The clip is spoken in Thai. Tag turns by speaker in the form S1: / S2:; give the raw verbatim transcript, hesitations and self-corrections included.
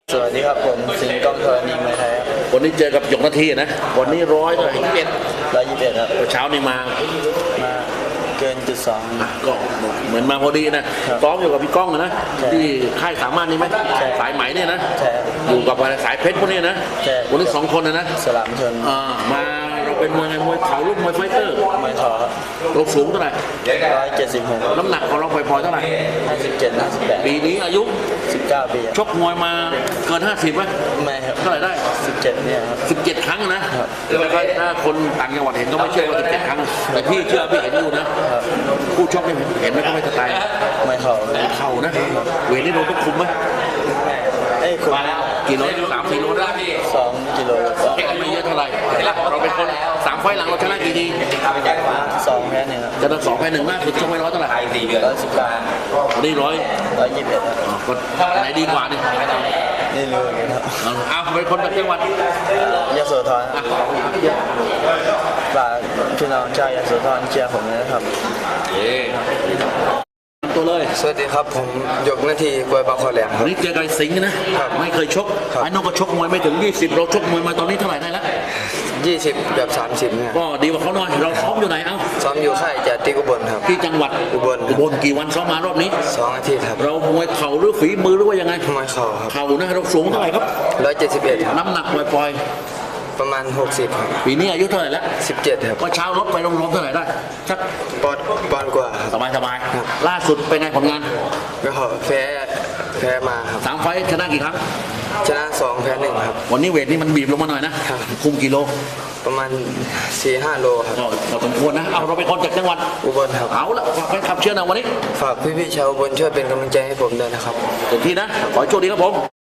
S1: สวัสดีครับผมสิงห์กองธรณีมวยไทยครับ
S2: วันนี้เจอกับหยกนาทีนะวันนี้ร้อยเท่าไหร่ยี่สิบเอ็ด
S1: ร้อยยี่สิบเอ็ดครับ
S2: เช้านี้มา
S1: มาเกินจุดสอง
S2: ก็เหมือนมาพอดีนะซ้อมอยู่กับพี่ก้องนะที่ค่ายสามารถนี่ไหมสายไหมเนี่ยนะอยู่กับสายเพชรพวกนี้นะวันนี้สองคนนะนะ
S1: สลามชน
S2: มาเราเป็นมวยไงมวยเข่าลูกมวยไฟเตอร์
S1: มวยเข่าครับ
S2: เราสูงเท่าไหร่
S1: ร้อยเจ็ดสิบหก
S2: น้ำหนักของเราปล่อยๆเท่าไหร่
S1: ห้าสิบเจ็ดห้าสิบแปด
S2: ปีนี้อายุ
S1: สิบเก้าปี
S2: ชกมวยมาเกินห้าสิบไหม
S1: ไม่ครับ
S2: เท่าไหร่ได้
S1: สิบเจ็ดเนี่ยครับ
S2: สิบเจ็ดครั้งนะแล้วก็ถ้าคนต่างจังหวัดเห็นก็ไม่เชื่อว่าสิบเจ็ดครั้งแต่พี่เชื่อพี่เห็นอยู่นะผู้ชกเห็นไหมก็ไม่สไตล์
S1: ไม่เข่า
S2: เข่านะเวทนี่เราต้องคุมไหม
S1: เอ้คุม
S2: กี่โลสามสี่โลได้
S1: สองกิโล
S2: แค่ไม่เยอะเท่าไหร่เราเป็นคนสามไฟหลังเราชนะกี่ที
S1: สองแพ้หนึ่ง
S2: จะต้องสองแพ้หนึ่งมากคือชกไม่ร้อยเท่าไหร่
S1: ร้อยสิบเก้า
S2: วันนี้ร้อย
S1: ร้อยยี่สิบเอ็ด
S2: ก็ไหนดีกว่านี่
S1: นี่รู้เลยครับ
S2: เอาเป็นคนจากจังหวัด
S1: ยโสธรฝากพี่น้องชาวยโสธรเชียร์ผมนะครับ
S2: ตัวเลย
S1: สวัสดีครับผมหยกนาทีกวยบางคอแหลมครับ
S2: นี่เจอกับสิงห์นะไม่เคยชกไอ้น้องก็ชกมวยไม่ถึงยี่สิบเราชกมวยมาตอนนี้เท่าไหร่ได้แล้ว
S1: ยี่สิบแบบสามสิบเนี่ย
S2: ก็ดีกว่าเขาหน่อยเราซ้อมอยู่ไหนเอ้า
S1: ซ้อมอยู่ค่ายจัดที่อุบลครับ
S2: ที่จังหวัด
S1: อุบล
S2: อุบลกี่วันซ้อมมารอบนี้
S1: สองอาทิตย์ครับ
S2: เรามวยเข่าหรือฝีมือหรือว่ายังไง
S1: มวยเข่าครับ
S2: เข่านะเราสูงเท่าไหร่ครับ
S1: ร้อยเจ็ดสิบเอ็ด
S2: น้ำหนักปล่อย
S1: ประมาณหกสิบครับ
S2: ปีนี้อายุเท่าไหร่แล้ว
S1: สิบเจ็ดครับ
S2: ก็เช้าลดไปลงๆเท่าไหร่ได้สัก
S1: ปอนปอนกว่า
S2: สบายสบายล่าสุดเป็นไงผลงาน
S1: ก็แพ้แพ้มาครับ
S2: สามไฟชนะกี่ครั้ง
S1: ชนะสองแพ้หนึ่งครับ
S2: วันนี้เวทนี่มันบีบลงมาหน่อยนะคุมกิโล
S1: ประมาณสี่ห้าโลครับ
S2: เราสมควรนะเอาเราเป็นคนจากจังหวัด
S1: อุบลครับ
S2: เอาละฝากไปขับเชื่อนะวันนี้
S1: ฝากพี่ๆชาวอุบลช่วยเป็นกำลังใจให้ผมด้วยนะครับ
S2: เต็มที่นะขอให้โชคดีครับผม